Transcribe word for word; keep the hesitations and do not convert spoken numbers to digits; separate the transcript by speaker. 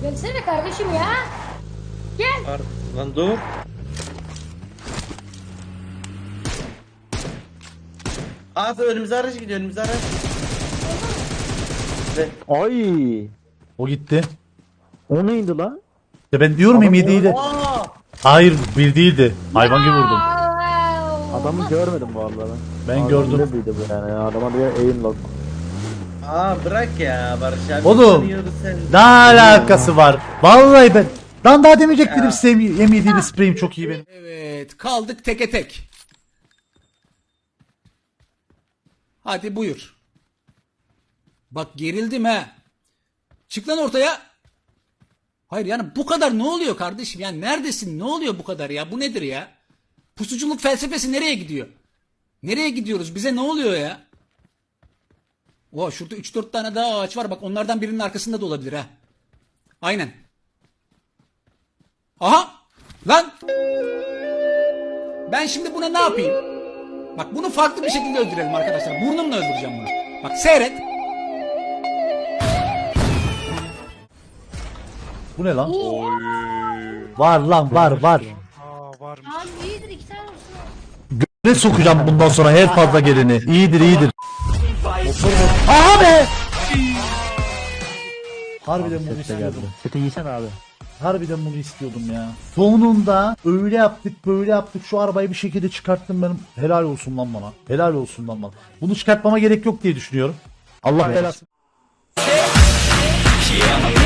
Speaker 1: Gelsene kardeşim ya. Gel.
Speaker 2: Ar lan dur. Aa önümüze araç gidiyor, önümüze araç. Ve
Speaker 3: Ay.
Speaker 4: O gitti.
Speaker 3: O neydi lan?
Speaker 4: Ya ben diyorum
Speaker 3: Adam
Speaker 4: M yediydi.
Speaker 2: Aa!
Speaker 4: Hayır bir değildi. Hayvan gibi vurdum.
Speaker 3: Adamı görmedim bu arada ben.
Speaker 4: Ben
Speaker 3: Adam
Speaker 4: gördüm.
Speaker 3: neredeydi bu yani? Adama diye aim lock.
Speaker 2: Aa bırak ya Barış abi.
Speaker 4: Oğlum,
Speaker 2: tanıyoruz seni.
Speaker 4: Ne alakası var? Vallahi ben. Lan daha demeyecek dedim size M yediyle spreyim çok iyi benim.
Speaker 5: Evet, kaldık teke tek. Hadi buyur. Bak gerildim ha. Çık lan ortaya. Hayır yani bu kadar ne oluyor kardeşim? Yani neredesin? Ne oluyor bu kadar ya? Bu nedir ya? Pusuculuk felsefesi nereye gidiyor? Nereye gidiyoruz? Bize ne oluyor ya? Oha şurada üç dört tane daha ağaç var. Bak onlardan birinin arkasında da olabilir ha. Aynen. Aha! Lan! Ben şimdi buna ne yapayım? Bak bunu farklı bir şekilde öldürelim arkadaşlar. Burnumla öldüreceğim bunu. Bak seyret.
Speaker 4: Bu ne lan? Var lan var var.
Speaker 1: Abi iyidir iki tane olsun.
Speaker 4: Ne sokacağım bundan sonra her fazla geleni. İyidir iyidir. Aha be! Harbiden bunu istiyordum.
Speaker 3: Kötü yiysen abi.
Speaker 4: Harbiden bunu istiyordum ya. Sonunda öyle yaptık böyle yaptık şu arabayı bir şekilde çıkarttım benim. Helal olsun lan bana. Helal olsun lan bana. Bunu çıkartmama gerek yok diye düşünüyorum. Allah belasını.